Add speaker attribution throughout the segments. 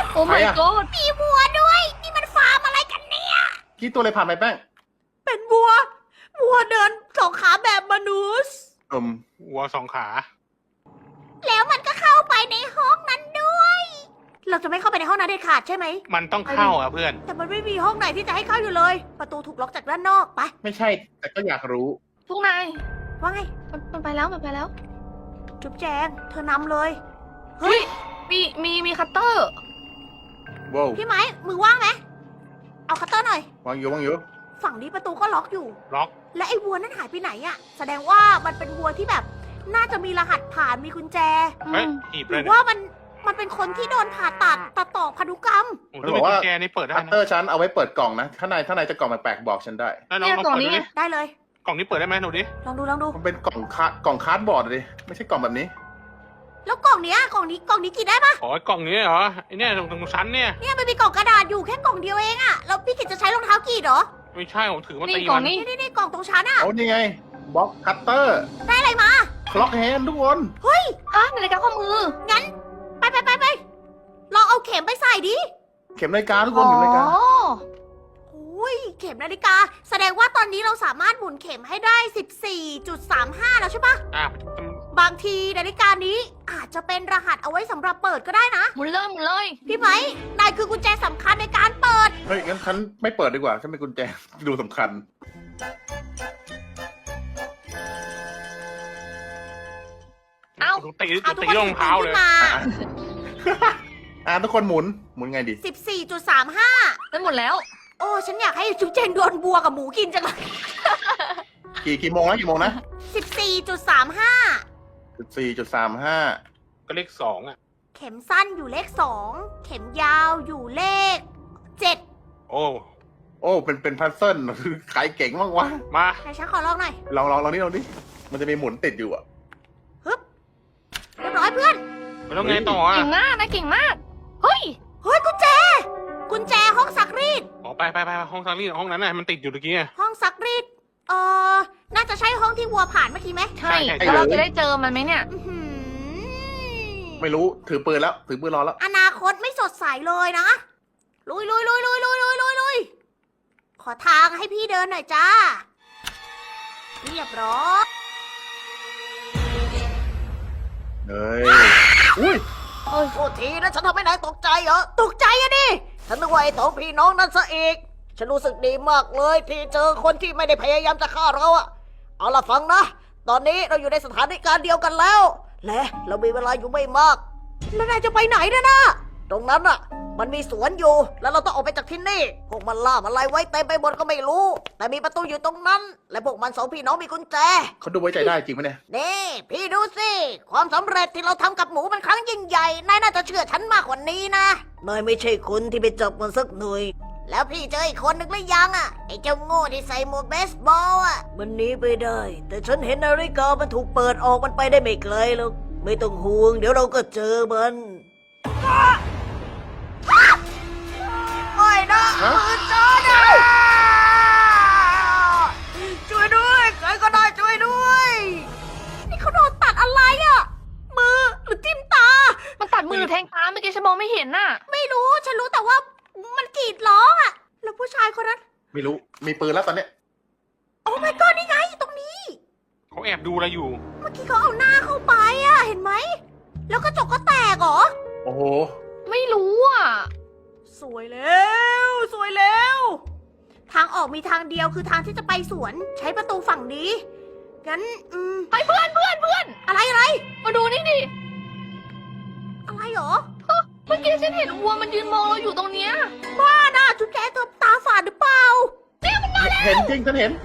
Speaker 1: โอ้
Speaker 2: ใคร
Speaker 1: my
Speaker 2: อะ
Speaker 1: god
Speaker 3: มีวัวด้วย นี่มันฟาร์มอะไรกันเนี่ย
Speaker 2: กี่ตัวเลยผ่านไปแป้ง
Speaker 3: เป็นวัว วัวเดินสองขาแบบมนุษย์
Speaker 4: วัวสองขา
Speaker 3: แล้วมันก็เข้าไปในห้องนั้นด้วย เราจะไม่เข้าไปในห้องนั้นเด็ดขาดใช่ไหม
Speaker 4: มันต้องเข้าอ่ะเพื่อน
Speaker 3: แต่มันไม่มีห้องไหนที่จะให้เข้าอยู่เลย ประตูถูกล็อกจากด้านนอก ไป
Speaker 2: ไม่ใช่ แต่ก็อยากรู้
Speaker 1: พวกนาย
Speaker 3: ว่าไง
Speaker 1: มันไปแล้วมันไปแล้ว
Speaker 3: จุ๊บแจง เธอนำเลย
Speaker 1: เฮ้ย มีคัตเตอร์
Speaker 2: ว้าว
Speaker 3: พี่ไม้ มือว่างไหม เอาคัตเตอร์หน่อย
Speaker 2: วางอยู่วางอยู่
Speaker 3: ฝั่งนี้ประตูก็ล็อกอยู่
Speaker 4: ล็อก
Speaker 3: และไอ้วัวนั้นหายไปไหนอะแสดงว่ามันเป็นวัวที่แบบ น่าจะมีรหัสผ่านมีกุญแจ
Speaker 4: เฮ้ยหีบ
Speaker 3: ห
Speaker 4: เล
Speaker 3: รื
Speaker 4: ย
Speaker 3: อ
Speaker 4: เนี่ย
Speaker 3: ว่ามันเป็นคนที่โดนผ่าตัดต่อพันธุกรรม
Speaker 4: โอ้โหถ้าเป็นกุญแจนี่เปิดได้
Speaker 2: คัต
Speaker 4: นะ
Speaker 2: เตอร์ฉันเอาไว้เปิดกล่องนะข้างในจะกล่องแปลกๆบอกฉันได้
Speaker 4: แล้วน้อง
Speaker 1: เนี่ย
Speaker 4: ลอง
Speaker 1: กล่อง
Speaker 4: เปิด
Speaker 1: นี้
Speaker 4: ดู
Speaker 1: ไง
Speaker 4: ดิ
Speaker 3: ได้เลย
Speaker 4: กล่องนี้เปิดได้ไหมหนูดิ
Speaker 3: ลองดู
Speaker 2: มันเป็นกล่องคาร์ดบอร์ดเลยไม่ใช่กล่องแบบนี้
Speaker 3: แล้วกล่องนี้กินได้ปะ
Speaker 4: อ๋อกล่องนี้เหรอไอเนี่ยตรงชั้นเนี่ย
Speaker 3: เนี่ยมันมีกล่องกระดาษอยู่แค่กล่องเดียวเองอะแล้วพี่กิจจะใช้รองเท้ากรีดเหรอ
Speaker 4: ไม่ใช่ผมถือมา
Speaker 1: นี่
Speaker 4: ตี
Speaker 1: กล่อ
Speaker 4: มั
Speaker 1: ง
Speaker 4: น
Speaker 1: นี้
Speaker 3: นี่กล่องตรงชั้นอะ
Speaker 2: เอานี่ไงบล็อกคัตเตอร์
Speaker 3: ได้อะไรมา
Speaker 2: คล็อกแฮนด์ทุกคน
Speaker 1: อ่ะนาฬิกาข้อมือ
Speaker 3: งั้น ไปลองเอาเข็มไปใส่ดิ
Speaker 2: เข็มนาฬิกาทุกคนเข็มนาฬิกา
Speaker 3: อุ้ยเข็มนาฬิกา แสดงว่าตอนนี้เราสามารถหมุนเข็มให้ได้ 14.35 แล้วใช่ปะ
Speaker 4: อ่ะ
Speaker 3: บางทีนาฬิกานี้อาจจะเป็นรหัสเอาไว้สำหรับเปิดก็ได้นะ
Speaker 1: หมุนเลย
Speaker 3: พี่ไหมนายคือกุญแจสำคัญในการเปิด
Speaker 2: เฮ้ยงั้นฉันไม่เปิดดีกว่าฉันเป็นกุญแจ ดูสำคัญ
Speaker 1: เอ้า
Speaker 4: ตี
Speaker 3: เอาทุก
Speaker 4: ตี
Speaker 3: คน
Speaker 4: รองเท้าเลย
Speaker 3: ขึ้นมา
Speaker 2: ทุกคนหมุนไงดี
Speaker 3: 14.35
Speaker 1: ได้หมดแล้ว
Speaker 3: โอ้ ฉันอยากให้จุ๊บเจนโดนบัวกับหมูกินจังเลย
Speaker 2: กี่โมงนะ
Speaker 3: 14.35
Speaker 2: 4.35
Speaker 4: ก็เลขสองอ่ะ
Speaker 3: เข็มสั้นอยู่เลข 2 เข็มยาวอยู่เลข 7
Speaker 4: โอ้
Speaker 2: โอ้เป็นพัซเซิล ขายเก่งมากวะ
Speaker 4: มา
Speaker 3: ไหนฉันขอลองหน่อย
Speaker 2: ลองนี่มันจะมีหมุนติดอยู่อะ
Speaker 3: เรียบร้อยเพื่อน
Speaker 4: ไม่ต้องไงต่ออ่ะ
Speaker 1: เก่งมากนะเก่งมาก เฮ้ย
Speaker 3: เฮ้ยกุญแจห้องซักรีด
Speaker 4: อ๋อไปห้องซักรีดห้องนั้นน่ะมันติดอยู่ตะกี้ไง
Speaker 3: ห้องซักรีด น่าจะใช่ห้องที่วัวผ่านเมื่อกี้ไหม
Speaker 1: ใช่แล้วเราจะได้เจอมันไหมเนี่ย
Speaker 3: อื้อหือ
Speaker 2: ไม่รู้ถือปืนรอแล้ว
Speaker 3: อนาคตไม่สดใสเลยนะ ลุย ขอทางให้พี่เดินหน่อยจ้า เรียบร้อย
Speaker 2: เฮ้ย อุ้ย
Speaker 3: โอ้ยโทษทีนะฉันทำให้นายตกใจเหรอ ตกใจอะดิ ฉันนึกว่าไอ้สองพี่น้องนั่นซะอีก ฉันรู้สึกดีมากเลยที่เจอคนที่ไม่ได้พยายามจะฆ่าเราอะเอาล่ะฟังนะ ตอนนี้เราอยู่ในสถานการณ์เดียวกันแล้ว และเรามีเวลาอยู่ไม่มาก แล้วนายจะไปไหนนะ ตรงนั้นอะมันมีสวนอยู่ แล้วเราต้องออกไปจากที่นี่ พวกมันล่ามอะไรไว้เต็มไปหมดก็ไม่รู้ แต่มีประตูอยู่ตรงนั้น และพวกมันสองพี่น้องมีกุญแจ
Speaker 2: เขาดูไว้ใจได้จริงไหมเนี่ย
Speaker 3: นี่พี่ดูสิ ความสำเร็จที่เราทำกับหมูมันครั้งยิ่งใหญ่ นายน่าจะเชื่อฉันมากกว่านี้นะ นายไม่ใช่คนที่ไปจับมันสักหน่อย แล้วพี่เจออีกคนนึงหรือยังอ่ะ ไอ้เจ้าโง่ที่ใส่หมวกเบสบอลอ่ะ มันหนีไปได้ แต่ฉันเห็นนาฬิกามันถูกเปิดออกมันไปได้ไม่ไกลหรอกไม่ต้องห่วง เดี๋ยวเราก็เจอมันไม่นะ
Speaker 2: ฮะ
Speaker 3: มือจอนะช่วยด้วยใครก็ได้ช่วยด้วย นี่เขาโดนตัดอะไรอ่ะ มือหรือจิ้มตา
Speaker 1: มันตัดมือหรือแทงตาเมื่อกี้ฉันมองไม่เห็นน่ะ
Speaker 3: ไม่รู้ ฉันรู้แต่ว่ามันกรีดร้องอ่ะ แล้วผู้ชายคนนั้น
Speaker 2: ไม่รู้ มีปืนแล้วตอนเนี้ย
Speaker 3: โอ้ my god นี่ไงตรงนี้
Speaker 4: เขาแอบดูอะไรอยู่
Speaker 3: เมื่อกี้เขาเอาหน้าเข้าไปอ่ะ เห็นไหม แล้วกระจกก็แตกเหรอ
Speaker 2: โอ้โห
Speaker 1: ไม่รู้อ่ะ
Speaker 3: สวยแล้ว ทางออกมีทางเดียวคือทางที่จะไปสวน ใช้ประตูฝั่งนี้ งั้น
Speaker 1: ไปเพื่อน
Speaker 3: อะไร
Speaker 1: มาดูนี่ดิ
Speaker 3: อะไรเหรอ
Speaker 1: เมื่อกี้ฉันเห็นวัวมันยืนมองเราอยู่ตรงเนี้ย
Speaker 3: บ้าน่ะจุดแกเธอตาฝาดหรือเปล่า
Speaker 2: เห็นจริงฉันเห็น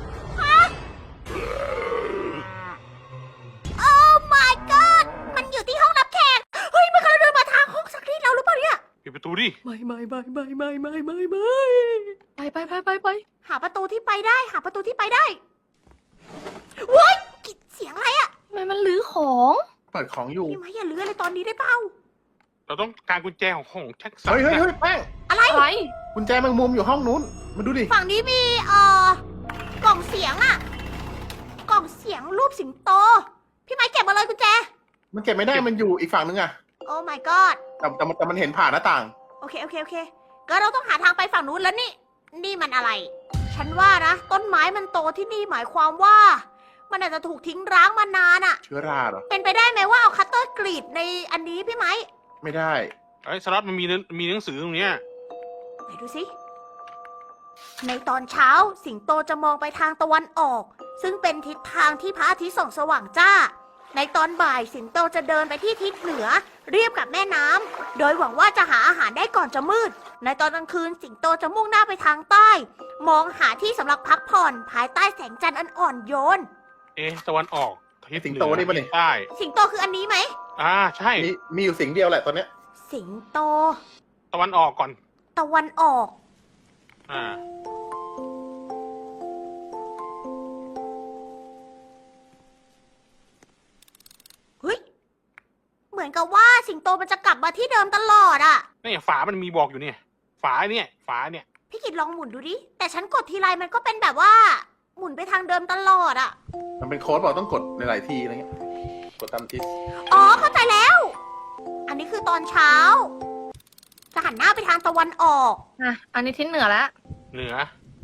Speaker 3: โอ้ my god มันอยู่ที่ห้องรับแขก เฮ้ย มันกำลังเดินมาทางห้องสักรีดเราหรือเปล่าเนี่ย
Speaker 4: ปิดประตูดิ
Speaker 1: ไป
Speaker 3: หาประตูที่ไปได้เว้ยกลิ่นเสียงอะไรอะ
Speaker 1: ทำไมมันลื้อของ
Speaker 2: เปิดของอยู่
Speaker 3: พี่ไม้อย่าเลื้อยเลยตอนนี้ได้เปล่า
Speaker 4: เราต้องการกุญแจของแจ็คสัน
Speaker 2: เฮ้ยแป้ง
Speaker 3: อะไร
Speaker 1: อะไร
Speaker 2: กุญแจแมงมุมอยู่ห้องนู้น มาดูดิ
Speaker 3: ฝั่งนี้มีกล่องเสียงอะกล่องเสียงรูปสิงโต พี่ไม้เก็บมาเลยกุญแจ
Speaker 2: มันเก็บไม่ได้ มันอยู่อีกฝั่งนึงอะ
Speaker 3: โอ้ my god
Speaker 2: แต่มันเห็นผ่านหน้าต่าง
Speaker 3: โอเคก็เราต้องหาทางไปฝั่งนู้นแล้วนี่ นี่มันอะไร ฉันว่านะ ต้นไม้มันโตที่นี่หมายความว่า มันอาจจะถูกทิ้งร้างมานานอะ
Speaker 2: เชื้อราเหรอ
Speaker 3: เป็นไปได้ไหมว่าเอาคัตเตอร์กรีดในอันนี้พี่ไหม
Speaker 2: ไม่ได้
Speaker 4: ไอ้ยสล็อตมันมีหนังสือตรงเนี้ย
Speaker 3: ไหนดูสิ ในตอนเช้าสิงโตจะมองไปทางตะวันออก ซึ่งเป็นทิศทางที่พระอาทิตย์ส่องสว่างจ้า ในตอนบ่ายสิงโตจะเดินไปที่ทิศเหนือ เรียบกับแม่น้ำโดยหวังว่าจะหาอาหารได้ก่อนจะมืด ในตอนกลางคืนสิงโตจะมุ่งหน้าไปทางใต้ มองหาที่สำหรับพักผ่อนภายใต้แสงจันทร์อันอ่อนโยน
Speaker 4: ตะวันออกทิศ
Speaker 2: สิงโตนี่ปะเนี่ย
Speaker 4: ใต้
Speaker 3: สิงโตคืออันนี้ไหม
Speaker 4: ใช่
Speaker 2: มีอยู่สิ่งเดียวแหละตอนเนี้ย
Speaker 3: สิงโต
Speaker 4: ตะวันออกก่อน
Speaker 3: ตะวันออก
Speaker 4: อ่า
Speaker 3: เฮ้ย เหมือนกับว่าสิงโตมันจะกลับมาที่เดิมตลอดอะ
Speaker 4: นี่ฝามันมีบอกอยู่เนี่ย ฝาเนี่ย
Speaker 3: พี่กิดลองหมุนดูดิ แต่ฉันกดทีไรมันก็เป็นแบบว่า หมุนไปทางเดิมตลอดอะ
Speaker 2: มันเป็นโค้ดบอกต้องกดหลายๆทีอะไรเงี้ย กดตามทิศ
Speaker 3: อ๋อเข้าใจแล้ว อันนี้คือตอนเช้า จะหันหน้าไปทางตะวันออก
Speaker 1: อ่ะ อันนี้ทิศเหนือแล้ว
Speaker 4: เหนือ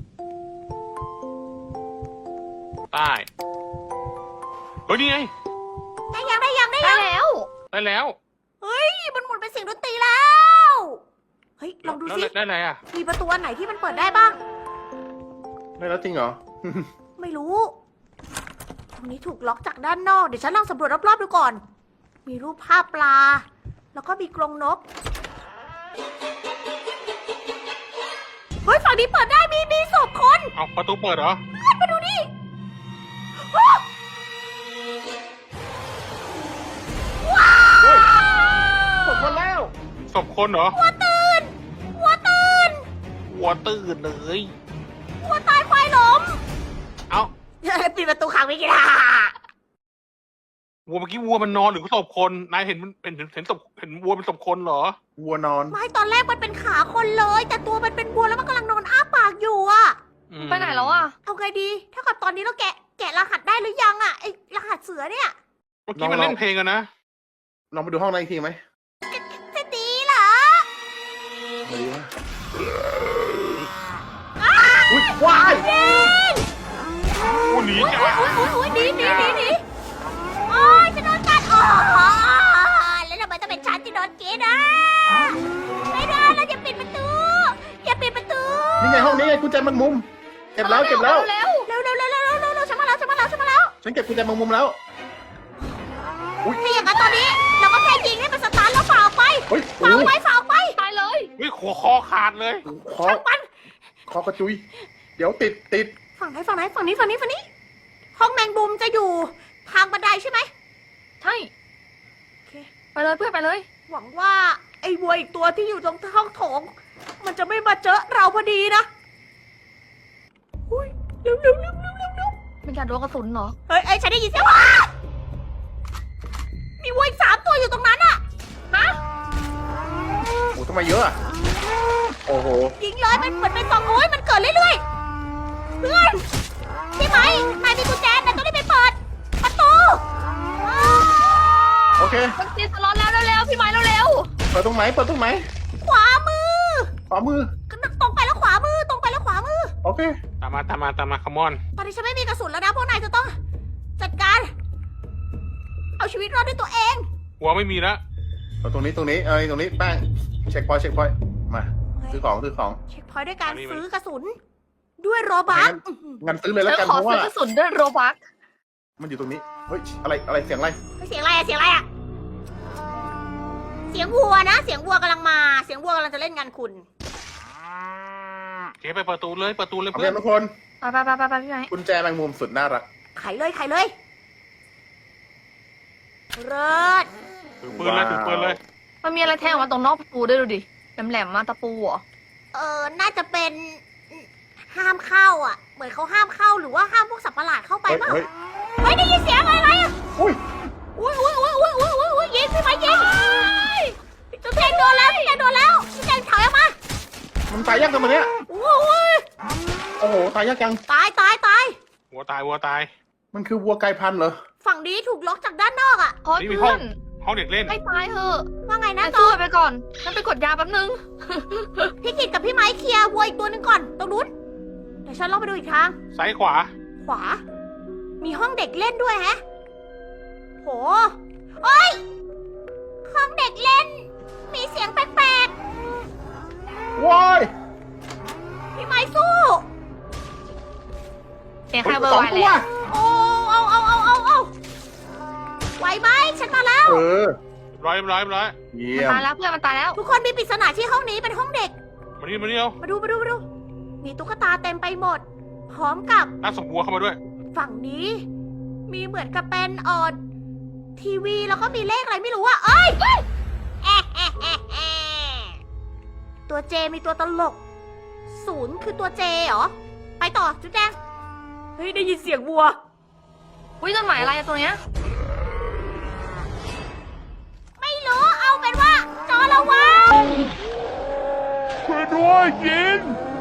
Speaker 4: ใต้ เฮ้ยนี่ไง
Speaker 3: ได้ยัง
Speaker 1: ได้แล้ว
Speaker 4: ได้แล้ว
Speaker 3: เฮ้ย มันหมุนเป็นเสียงดนตรีแล้ว เฮ้ย ลองดูสิ
Speaker 4: ได้อะไรอ่ะ
Speaker 3: มีประตูอันไหนที่มันเปิดได้บ้าง
Speaker 2: ได้แล้วจริงเหรอ
Speaker 3: ไม่รู้ ตรงนี้ถูกล็อกจากด้านนอก เดี๋ยวฉันลองสำรวจรอบๆดูก่อน มีรูปภาพปลา แล้วก็มีกรงนก เฮ้ย ฝั่งนี้เปิดได้ มีศพคน
Speaker 4: เอาประตูเปิดเหรอ
Speaker 3: มาดูนี่
Speaker 2: กดมาแล้ว
Speaker 4: ศพคนเหรอ
Speaker 3: วัวตื่น
Speaker 4: วัวตื่นเลย
Speaker 3: วัวตายควายล้ม
Speaker 4: เอ้า
Speaker 3: ปิดประตูขังไม่กินอ่ะ
Speaker 4: วัวเมื่อกี้วัวมันนอนหรือศพคน นายเห็นมันเห็นศพเห็นวัวเป็นศพคนเหรอ
Speaker 2: วัวนอน
Speaker 3: ไม่ตอนแรกมันเป็นขาคนเลย แต่ตัวมันเป็นวัวแล้วมันกำลังนอนอ้าปากอยู่อะ
Speaker 1: ไปไหนแล้วอ่ะ
Speaker 3: เอาไงดี ถ้ากับตอนนี้เราแกะรหัสได้หรือยังอะไอรหัสเสือเนี่ย
Speaker 4: เมื่อกี้มันเล่นเพลงกันนะ
Speaker 2: ลองไปดูห้องนั้นอีกทีไหม
Speaker 3: จะดีเหรอ
Speaker 2: ไม่ดีวะอุ้ยว้าย
Speaker 4: โอ้หนีจ้า
Speaker 3: อุ้ยหนีโอ้ยจะโดนกัดอ๋อแล้วทำไมต้องเป็นฉันที่โดนกินอ่ะไม่ได้เราอย่าปิดประตู อย่าปิดประตู
Speaker 2: นี่ไงห้องนี้ไงกุญแจแมงมุม เก็บแล้ว
Speaker 1: เร็ว
Speaker 3: เร็วฉันมาแล้วฉันมาแล้ว
Speaker 2: ฉันเก็บกุญแจแมงมุมแล้ว
Speaker 3: ถ้าอย่างนั้นตอนนี้เราก็แค่ยิงให้มันสตาร์ทแล้วฝ่าออกไป
Speaker 2: เฮ้ย
Speaker 3: ฝ่าออกไป
Speaker 1: ตายเลย
Speaker 4: เฮ้ยคอขาดเลย
Speaker 2: คอคอกระจุย เดี๋ยวติด
Speaker 3: ฝั่งไหนฝั่งนี้ห้องแมงมุมจะอยู่ทางบันไดใช่ไหม
Speaker 1: ใช่
Speaker 3: โอเค
Speaker 1: ไปเลยเพื่อนไปเลย
Speaker 3: หวังว่าไอ้วัวอีกตัวที่อยู่ตรงห้องโถง มันจะไม่มาเจอเราพอดีนะอุ้ยเร็ว
Speaker 1: เป็นการโดนกระสุนเหรอ
Speaker 3: เฮ้ยฉันได้ยินเสียงว่ามีวัวอีก3 ตัวอยู่ตรงนั้นอะ
Speaker 2: โอ้ทำไมเยอะอะโอ้โห
Speaker 3: ยิงเลยมันเหมือนเป็นซองโอ้ยมันเกิดเรื่อยๆเพื่อนใช่ไหมนายมีกุญแจนายต้องรีบไปเปิดประตู
Speaker 2: โอเค
Speaker 1: มันตีสล็อตแล้วเร็วๆพี่ไม้เร็ว
Speaker 2: เปิดตรงไหน
Speaker 3: ขวามือ
Speaker 2: ขวามือ
Speaker 3: ตรงไปแล้วขวามือ
Speaker 2: โอเค
Speaker 4: ตามมาคัมอน
Speaker 3: ตอนนี้ฉันไม่มีกระสุนแล้วนะพวกนายจะต้องจัดการ เอาชีวิตรอดด้วยตัวเอง
Speaker 4: วัวไม่มีแล้ว
Speaker 2: เอาตรงนี้ตรงนี้แป้ง เช็คพอยต์มาซื้อของ
Speaker 3: เช็คพอยต์ด้วยการ
Speaker 4: อันนี้มัน
Speaker 3: ซื้อกระสุน ด้วยโรบัค
Speaker 2: งั้นซื้อเลย
Speaker 1: ๆ
Speaker 2: แล้ว
Speaker 1: ฉัน
Speaker 2: กัน
Speaker 1: ขอ
Speaker 2: เพราะ
Speaker 1: ซื้
Speaker 2: ว่า
Speaker 1: อกระสุนด้วยโรบัก
Speaker 2: มันอยู่ตรงนี้ เฮ้ย อะไร เสียงอะไร
Speaker 3: เสียงอะไรอะเสียงวัวนะ เสียงวัวกำลังมา เสียงวัวกำลังจะเล่นงานคุณ
Speaker 4: เจ๊ไปประตูเลย
Speaker 2: เอา
Speaker 4: เพื่
Speaker 2: เพื่
Speaker 4: อ
Speaker 2: อน นทุกคน
Speaker 1: ไปพี่ไม้
Speaker 2: กุญแจแมงมุมสุดน่ารัก
Speaker 3: ไขเลยเลิศ
Speaker 4: ถือปืนเลย
Speaker 1: มันมีอะไรแทงออกมาตรงนอกประตูด้วยดูดิแหลมๆมาตะปูเหรอ
Speaker 3: น่าจะเป็นห้ามเข้าอ่ะ เหมือนเขาห้ามเข้าหรือว่าห้ามพวกสัตว์ประหลาดเข้าไปเปล่า
Speaker 2: เฮ้ย
Speaker 3: เฮ้ยได้ยินเสียงอะไรอ่ะ
Speaker 2: อุ้ย
Speaker 3: อุ้ยยิงพี่ไม้ยิงจุ๊บแจงโดนแล้วจุ๊บแจงถอยออกมา
Speaker 2: มันตายยากจังมันเนี้ย
Speaker 3: โอ้ย
Speaker 2: โอ้โห ตายยากจัง
Speaker 3: ตาย
Speaker 4: วัวตาย
Speaker 2: มันคือวัวกลายพันธุ์เหรอ
Speaker 3: ฝั่งนี้ถูกล็อกจากด้านนอกอ่ะ
Speaker 1: โอ้ย
Speaker 4: นี่มี
Speaker 1: เพื่
Speaker 4: ห้
Speaker 1: อ
Speaker 4: อง
Speaker 1: น
Speaker 4: ห้องเด็กเล่น
Speaker 1: ให้ตายเถอะ
Speaker 3: ว่าไงนะ
Speaker 1: นาย
Speaker 3: ต
Speaker 1: สู้
Speaker 3: อน
Speaker 1: ไปก่อนฉันไปกดยาแป๊บนึง
Speaker 3: พี่กิตกับพี่ไม้เคลียร์วัวอีกตัวหนึงก่อน ตรงนู้น เดี๋ยวฉันลองไปดูอีกทาง
Speaker 4: ซ้ายขวา
Speaker 3: ขวา มีห้องเด็กเล่นด้วยแฮะ โหเอ้ย ห้องเด็กเล่น มีเสียงแปลก
Speaker 2: ว้าย
Speaker 3: ๆ พี่ไม้สู้
Speaker 1: เสียงใครเบอร์ไวเลยอะ
Speaker 3: โอ้เอาไหวไหมฉันมาแล้ว
Speaker 2: เออ
Speaker 4: ร้อย
Speaker 2: เยี่
Speaker 1: มัน
Speaker 2: ยม
Speaker 1: ตายแล้วเพื่อนมันตายแล้ว
Speaker 3: ทุกคนมีปริศนาที่ห้องนี้เป็นห้องเด็ก
Speaker 4: มานี่มานี่เอา
Speaker 3: มาดู มีตุ๊กตาเต็มไปหมด พร้อมกับ
Speaker 4: น่าสมบัวเข้ามาด้วย
Speaker 3: ฝั่งนี้ มีเหมือนกับเป็นทีวีแล้วก็มีเลขอะไรไม่รู้อะเอ้ยตัวเจมีตัวตลก 0คือตัวเจเหรอ ไปต่อจุดแดง เฮ้ย ได้ยินเสียงวัว
Speaker 1: อุ้ยจดหมายอะไรอะตัวเนี้ย
Speaker 3: ไม่รู้ เอาเป็นว่าจอระวัง
Speaker 4: ช่วยด้วยยิน